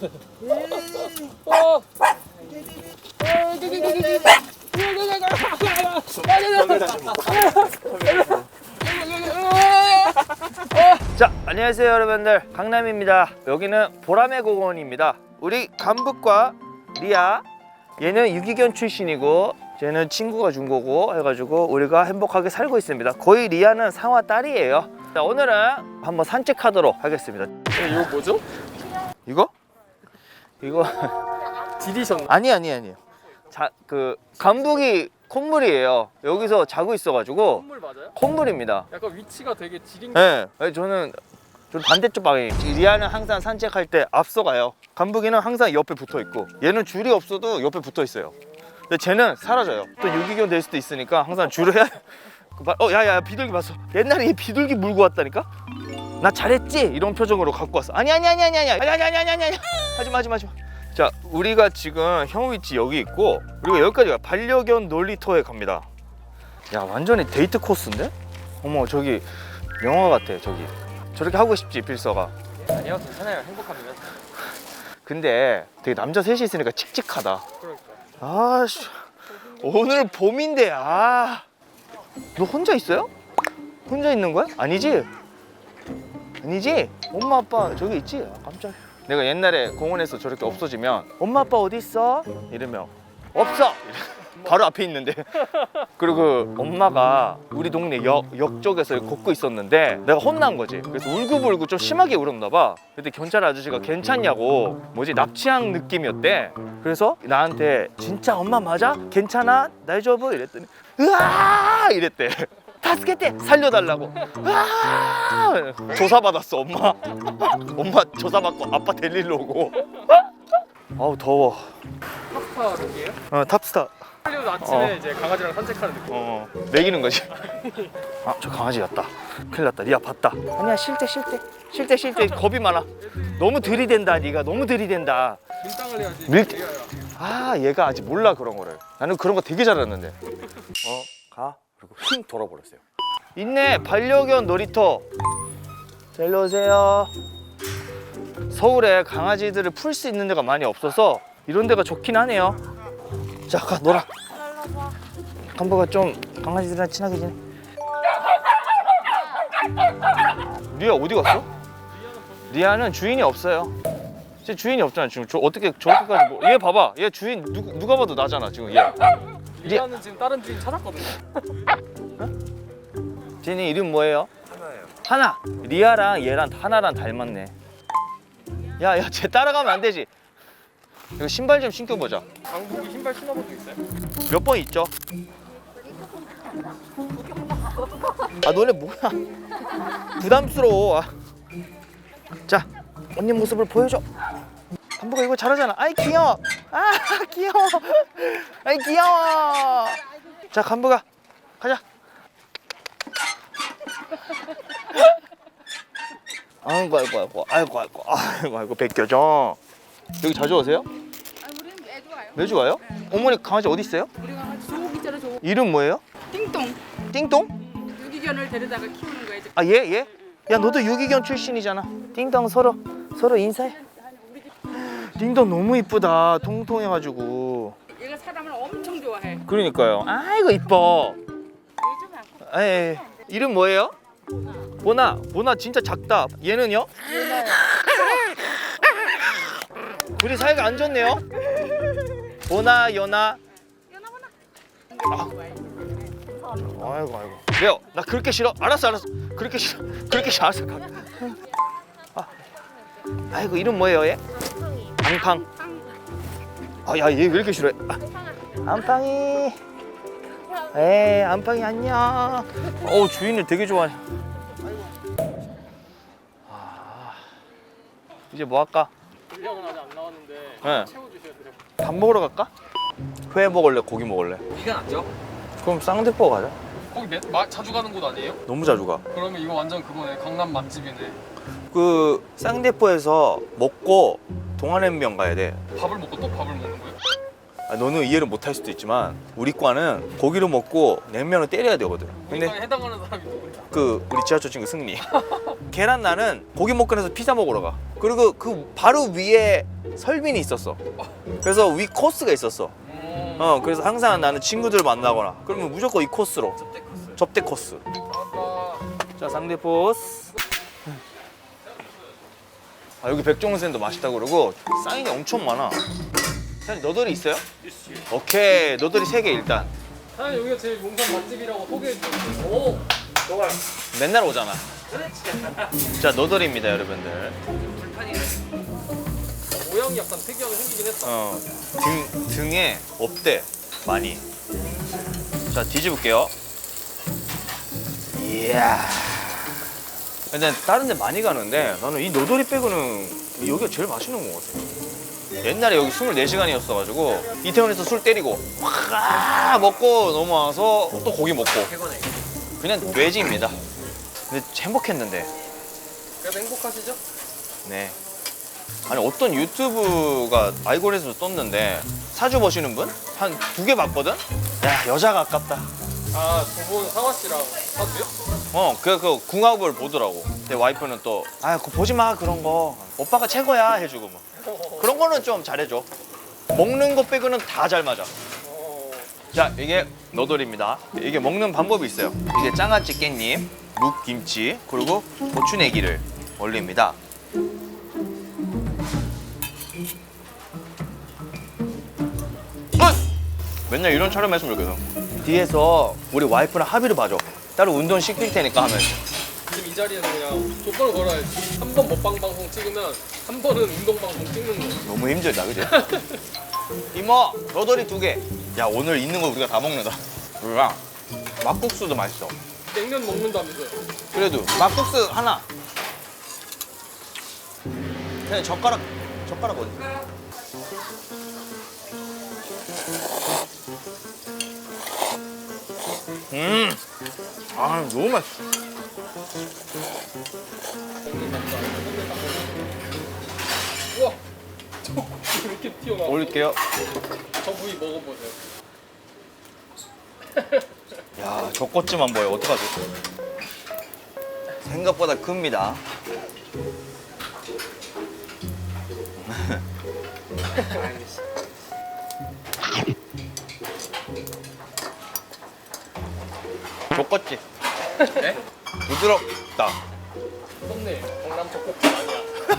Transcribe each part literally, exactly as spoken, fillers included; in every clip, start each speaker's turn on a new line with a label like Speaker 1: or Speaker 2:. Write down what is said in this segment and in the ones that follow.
Speaker 1: 어. 자, 안녕하세요 여러분들, 강남입니다. 여기는 보라매 공원입니다. 우리 감북과 리아, 얘는 유기견 출신이고 쟤는 친구가 준 거고 해가지고 우리가 행복하게 살고 있습니다. 거의 리아는 상화 딸이에요. 자, 오늘은 한번 산책하도록 하겠습니다.
Speaker 2: 이거 뭐죠?
Speaker 1: 이거? 이거
Speaker 2: 디디션.
Speaker 1: 아니 아니 아니에요. 자, 그 감북이 콧물이에요. 여기서 자고 있어가지고.
Speaker 2: 콧물 맞아요?
Speaker 1: 콧물입니다.
Speaker 2: 약간 위치가 되게 지린.
Speaker 1: 네, 저는 좀 반대쪽 방향. 리아는 항상 산책할 때 앞서가요. 감북이는 항상 옆에 붙어 있고, 얘는 줄이 없어도 옆에 붙어 있어요. 근데 쟤는 사라져요. 또 유기견 될 수도 있으니까 항상 줄을 해야. 어, 야야, 비둘기 봤어. 옛날에 얘 비둘기 물고 왔다니까. 나 잘했지? 이런 표정으로 갖고 왔어. 아니 아니 아니 아니 아니 아니 아니 아니 아니 아니 하지마 하지마 하지마. 자, 우리가 지금 형 위치 여기 있고, 우리가 여기까지 가. 반려견 놀이터에 갑니다. 야, 완전히 데이트 코스인데? 어머, 저기 영화 같아. 저기 저렇게 하고 싶지, 필서가.
Speaker 2: 아니요, 괜찮아요. 행복합니다.
Speaker 1: 근데 되게 남자 셋이 있으니까 칙칙하다.
Speaker 2: 그러니까.
Speaker 1: 아씨, 오늘 봄인데. 아, 너 혼자 있어요? 혼자 있는 거야? 아니지? 아니지? 엄마 아빠 저기 있지? 아, 깜짝이야. 내가 옛날에 공원에서 저렇게 없어지면 엄마 아빠 어디 있어? 이러면 없어! 바로 앞에 있는데. 그리고 그 엄마가 우리 동네 역, 역 쪽에서 걷고 있었는데 내가 혼난 거지. 그래서 울고불고 좀 심하게 울었나 봐. 근데 경찰 아저씨가 괜찮냐고, 뭐지, 납치한 느낌이었대. 그래서 나한테 진짜 엄마 맞아? 괜찮아? 날 줘봐? 이랬더니 으아! 이랬대. 다스케테 살려달라고. 으아! 조사받았어 엄마. 엄마 조사받고 아빠 데리러 오고. 아우 더워.
Speaker 2: 탑스타 룩이에요?
Speaker 1: 어, 탑스타.
Speaker 2: 할리우드 아침에
Speaker 1: 어.
Speaker 2: 이제 강아지랑 산책하는 느낌.
Speaker 1: 어, 먹이는 거지. 아, 저 강아지 같다. 큰일 났다. 리아 봤다. 아니야, 실대 실대 실대 실대. 겁이 많아. 너무 들이댄다. 네가 너무 들이댄다.
Speaker 2: 밀당을 해야지.
Speaker 1: 밀-
Speaker 2: 얘가
Speaker 1: 아, 얘가 아직 몰라 그런 거를. 나는 그런 거 되게 잘했는데. 어, 가. 그리고 휙 돌아버렸어요. 있네, 반려견 놀이터. 자, 일로 오세요. 서울에 강아지들을 풀 수 있는 데가 많이 없어서 이런 데가 좋긴 하네요. 자, 가 놀아. 감보가 좀 강아지들이랑 친하게 지내. 리아 어디 갔어? 리아는 주인이 없어요. 제 주인이 없잖아 지금. 저 어떻게 저렇게까지 뭐... 얘 봐봐. 얘 주인 누, 누가 봐도 나잖아 지금. 얘.
Speaker 2: 리아는 지금 다른 주인 찾았거든요.
Speaker 1: 쟤네 이름 뭐예요?
Speaker 2: 하나예요.
Speaker 1: 하나. 리아랑 얘랑 하나랑 닮았네. 야야, 쟤 따라가면 안 되지. 이거 신발 좀 신겨보자.
Speaker 2: 강북이 신발 신어본 적 있어요?
Speaker 1: 몇 번 있죠? 아, 너네 뭐야? 부담스러워. 아. 자, 언니 모습을 보여줘. 감보가 이거 잘하잖아. 아이 귀여워. 아 귀여워. 아이 귀여워. 자, 감보가 가자. 아이고 아이고 아이고 아이고 아이고 아이고 아이고 벗겨져. 여기 자주 오세요?
Speaker 3: 아, 우리는 매주 와요.
Speaker 1: 매주 와요? 어머니 강아지 어디 있어요?
Speaker 3: 우리가 같이 조국 있잖아, 조국.
Speaker 1: 이름 뭐예요?
Speaker 3: 띵동.
Speaker 1: 띵동?
Speaker 3: 유기견을 데려다가 키우는 거야, 이제.
Speaker 1: 아, 얘? 얘? 야, 너도 유기견 출신이잖아. 띵동 서로 서로 인사해. 띵동 너무 이쁘다. 통통해가지고.
Speaker 3: 얘가 사람을 엄청 좋아해.
Speaker 1: 그러니까요. 아이고 이뻐.
Speaker 3: 요즘 않고.
Speaker 1: 에이, 이름 뭐예요? 보나. 보나 진짜 작다. 얘는요? 둘이 사이가 안 좋네요. 보나, 연아.
Speaker 3: 연하구나.
Speaker 1: 아. 아이고 아이고. 왜요? 나 그렇게 싫어? 알았어 알았어. 그렇게 싫어. 그렇게 싫어. 알았어. 가. 아. 아이고, 이름 뭐예요 얘? 앙팡. 아, 야, 얘 왜 이렇게 싫어해? 아. 안팡이. 에이, 안팡이 안녕. 어우, 주인을 되게 좋아해. 아. 이제 뭐 할까?
Speaker 2: 리아는 아직 안 나왔는데
Speaker 1: 네.
Speaker 2: 채워주셔야 돼요.
Speaker 1: 밥 먹으러 갈까? 회 먹을래? 고기 먹을래?
Speaker 2: 이건 안죠?
Speaker 1: 그럼 쌍대포 가자.
Speaker 2: 거기 매, 마, 자주 가는 곳 아니에요?
Speaker 1: 너무 자주 가.
Speaker 2: 그러면 이거 완전 그거네. 강남 맛집이네.
Speaker 1: 그 쌍대포에서 먹고 동안냉면 가야 돼.
Speaker 2: 밥을 먹고 또 밥을 먹는 거예요?
Speaker 1: 아, 너는 이해를 못 할 수도 있지만 우리 과는 고기를 먹고 냉면을 때려야 되거든. 근데
Speaker 2: 근데 해당하는 사람이 누구예요?
Speaker 1: 그 우리 지하철 친구 승리. 계란나는 고기 먹고 나서 피자 먹으러 가. 그리고 그 바로 위에 설빈이 있었어. 그래서 위 코스가 있었어.
Speaker 2: 음.
Speaker 1: 어 그래서 항상 나는 친구들 만나거나 그러면 무조건 이 코스로
Speaker 2: 접대 코스.
Speaker 1: 접대 코스.
Speaker 2: 아빠.
Speaker 1: 자 상대 포스. 아 여기 백종원쌤도 맛있다고 그러고 사인이 엄청 많아. 사장님 너덜이 있어요? 오케이 너덜이 세 개 일단.
Speaker 2: 사장님 여기가 제일 용산 맛집이라고 소개해 주셨어요. 오. 좋아요.
Speaker 1: 맨날 오잖아. 자 너덜입니다 여러분들.
Speaker 2: 모양이 약간 특이하게 생기긴 했다.
Speaker 1: 어, 등, 등에 없대 많이. 자 뒤집을게요. 이야. 근데 다른 데 많이 가는데 나는 이 너덜이 빼고는 여기가 제일 맛있는 것 같아. 옛날에 여기 스물네 시간이었어가지고 이태원에서 술 때리고 확 먹고 넘어와서 또 고기 먹고 그냥 돼지입니다. 근데 행복했는데.
Speaker 2: 그래도 행복하시죠?
Speaker 1: 네. 아니 어떤 유튜브가 알고리즘에서 떴는데 사주 보시는 분? 한 두 개 봤거든? 야 여자가 아깝다.
Speaker 2: 아, 두 분 상화 씨랑 사주요?
Speaker 1: 어, 그, 그 궁합을 보더라고. 내 와이프는 또, 아, 그거 보지 마, 그런 거. 오빠가 최고야, 해주고 뭐. 그런 거는 좀 잘해줘. 먹는 거 빼고는 다 잘 맞아.
Speaker 2: 어.
Speaker 1: 자, 이게 너돌입니다. 이게 먹는 방법이 있어요. 이게 장아찌 깻잎, 묵김치, 그리고 고추내기를 올립니다. 맨날 이런 촬영했으면 좋겠어. 뒤에서 우리 와이프랑 합의를 봐줘. 따로 운동 시킬 테니까 하면.
Speaker 2: 지금 이 자리에서 그냥 조건을 걸어야지. 한 번 먹방 방송 찍으면 한 번은 운동 방송 찍는 거.
Speaker 1: 너무 힘들다, 그지? 이모, 너덜이 두 개. 야, 오늘 있는 거 우리가 다 먹는다. 우리가 막국수도 맛있어.
Speaker 2: 냉면 먹는다면서요?
Speaker 1: 그래도 막국수 하나. 그냥 젓가락, 젓가락 어디? 음, 아 너무 맛있어.
Speaker 2: 우와! 저 이렇게 튀어나와.
Speaker 1: 올릴게요.
Speaker 2: 저 부위 먹어보세요.
Speaker 1: 야, 젖꽃지만 보여. 어떡하지? 생각보다 큽니다. 젖꽃지.
Speaker 2: 네?
Speaker 1: 부드럽다.
Speaker 2: 썸네일 강남 젖꼭지 아니야.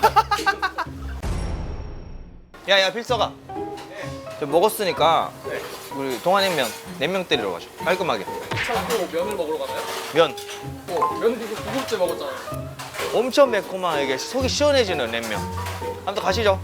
Speaker 1: 야야 필서가. 저 먹었으니까
Speaker 2: 네.
Speaker 1: 우리 동안냉면 냉면 때리러 가자. 깔끔하게.
Speaker 2: 참고 면을 먹으러 가나요?
Speaker 1: 면
Speaker 2: 어, 면을 이거 두 번째 먹었잖아요.
Speaker 1: 엄청 매콤하게 속이 시원해지는 냉면. 아무튼 가시죠.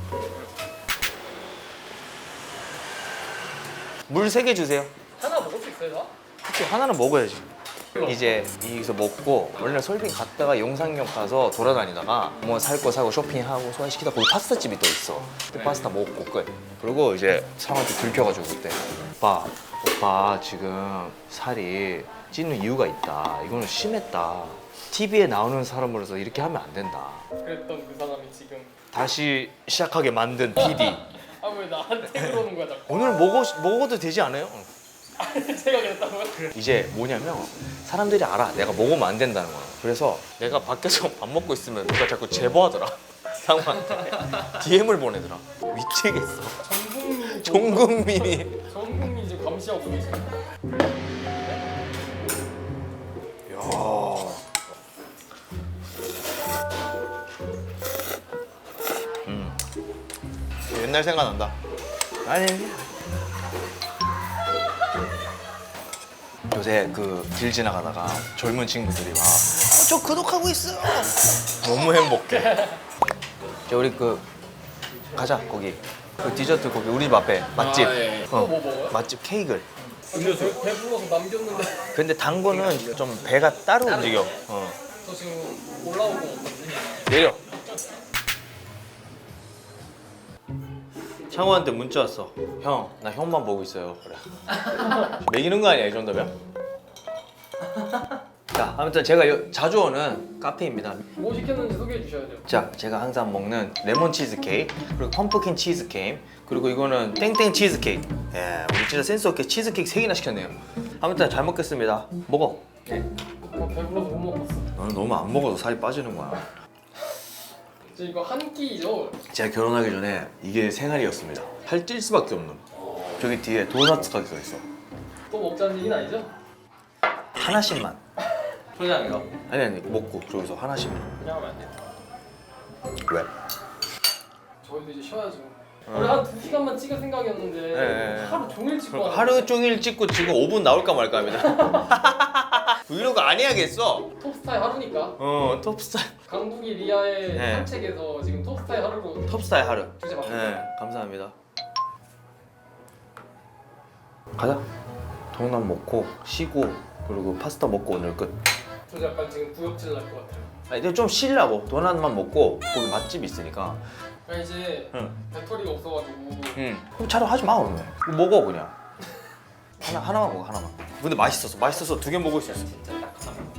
Speaker 1: 물 세 개 주세요.
Speaker 2: 하나 먹을 수 있어요?
Speaker 1: 그치 하나는 먹어야지. 이제 여기서 먹고 원래 솔빈 갔다가 용산역 가서 돌아다니다가 뭐 살 거 사고 쇼핑하고 소화시키다 거기 파스타 집이 또 있어. 그때 파스타 먹고 끝. 그리고 이제 사람한테 들켜가지고 그때 오빠 오빠 지금 살이 찌는 이유가 있다. 이거는 심했다. 티비에 나오는 사람으로서 이렇게 하면 안 된다.
Speaker 2: 그랬던 그 사람이 지금
Speaker 1: 다시 시작하게 만든 피디.
Speaker 2: 아 왜 나한테 그러는 거야 자꾸.
Speaker 1: 오늘 먹어 먹어도 되지 않아요?
Speaker 2: 제가 그랬다고요?
Speaker 1: 이제 뭐냐면 사람들이 알아. 내가 먹으면 안 된다는 거야. 그래서 내가 밖에서 밥 먹고 있으면 누가 자꾸 제보하더라. 상호한테 디엠을 보내더라. 미치겠어.
Speaker 2: 전 국민이
Speaker 1: 전 국민이.
Speaker 2: 전 국민이 지금 감시하고 계세요.
Speaker 1: 야. 음. 옛날 생각난다. 아니. 요새 그 길 지나가다가 젊은 친구들이 막 어, 저 구독하고 있어요. 너무 행복해. 자, 우리 그 가자 거기 그 디저트 거기 우리 집 앞에 맛집.
Speaker 2: 아, 예.
Speaker 1: 어,
Speaker 2: 또 뭐 먹어요?
Speaker 1: 맛집 케이크를.
Speaker 2: 근데 저 배불러서 남겼는데
Speaker 1: 근데 단 거는 좀 배가 따로 움직여. 어.
Speaker 2: 저 지금 올라오고 없거든요.
Speaker 1: 내려. 창호한테 문자 왔어. 형, 나 형만 보고 있어요. 그래. 매기는 거 아니야, 이 정도면? 자, 아무튼 제가 요- 자주 오는 카페입니다.
Speaker 2: 뭐 시켰는지 소개해 주셔야 돼요.
Speaker 1: 자, 제가 항상 먹는 레몬 치즈 케이크, 그리고 펌프킨 치즈 케이크, 그리고 이거는 땡땡 치즈 케이크. 예, 우리 진짜 센스 없게 치즈 케이크 세 개나 시켰네요. 아무튼 잘 먹겠습니다. 먹어.
Speaker 2: 네. 저 배불러서 못 먹었어.
Speaker 4: 나는 너무 안 먹어서 살이 빠지는 거야.
Speaker 2: 저 이거 한 끼죠?
Speaker 4: 제가 결혼하기 전에 이게 생활이었습니다. 살찔 수밖에 없는. 저기 뒤에 도넛 가게가 있어.
Speaker 2: 또 먹자는 얘기는 아니죠?
Speaker 4: 하나씩만. 소장이요? 아니 아니 먹고 저기서 하나씩만.
Speaker 2: 그냥 하면 안 돼요.
Speaker 4: 왜?
Speaker 2: 저희도 이제 쉬어야죠. 원래 한 두 시간만 찍을 생각이었는데
Speaker 4: 네.
Speaker 2: 하루 종일 찍고
Speaker 4: 그러니까
Speaker 2: 하는데
Speaker 4: 하루 종일 찍고 지금 오 분 나올까 말까 합니다. 브이로그 아니야겠어.
Speaker 2: 톱스타의 하루니까
Speaker 4: 어 톱스타일.
Speaker 2: 강북이 리아의
Speaker 4: 네.
Speaker 2: 산책에서 지금 톱스타의 하루로
Speaker 4: 톱스타일 하루.
Speaker 2: 주제 바꿔.
Speaker 4: 네 감사합니다. 가자. 도넛 먹고 쉬고 그리고 파스타 먹고 오늘 끝.
Speaker 2: 저 약간 지금 구역질 날 것 같아요.
Speaker 4: 아 이제 좀 쉬려고 도넛만 먹고 거기 맛집 있으니까.
Speaker 2: 그러니까 이제
Speaker 4: 응.
Speaker 2: 배터리가 없어가지고
Speaker 4: 응. 그럼 차로 하지 마 오늘. 이거 먹어 그냥. 하나 하나만 먹어 하나만. 근데 맛있었어. 맛있어서 두 개 먹을 수 있어.
Speaker 2: 진짜 딱 하나만.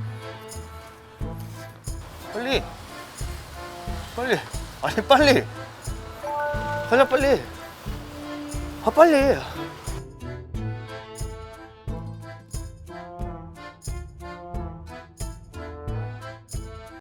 Speaker 1: 빨리 빨리 아니 빨리 가자 빨리 아 빨리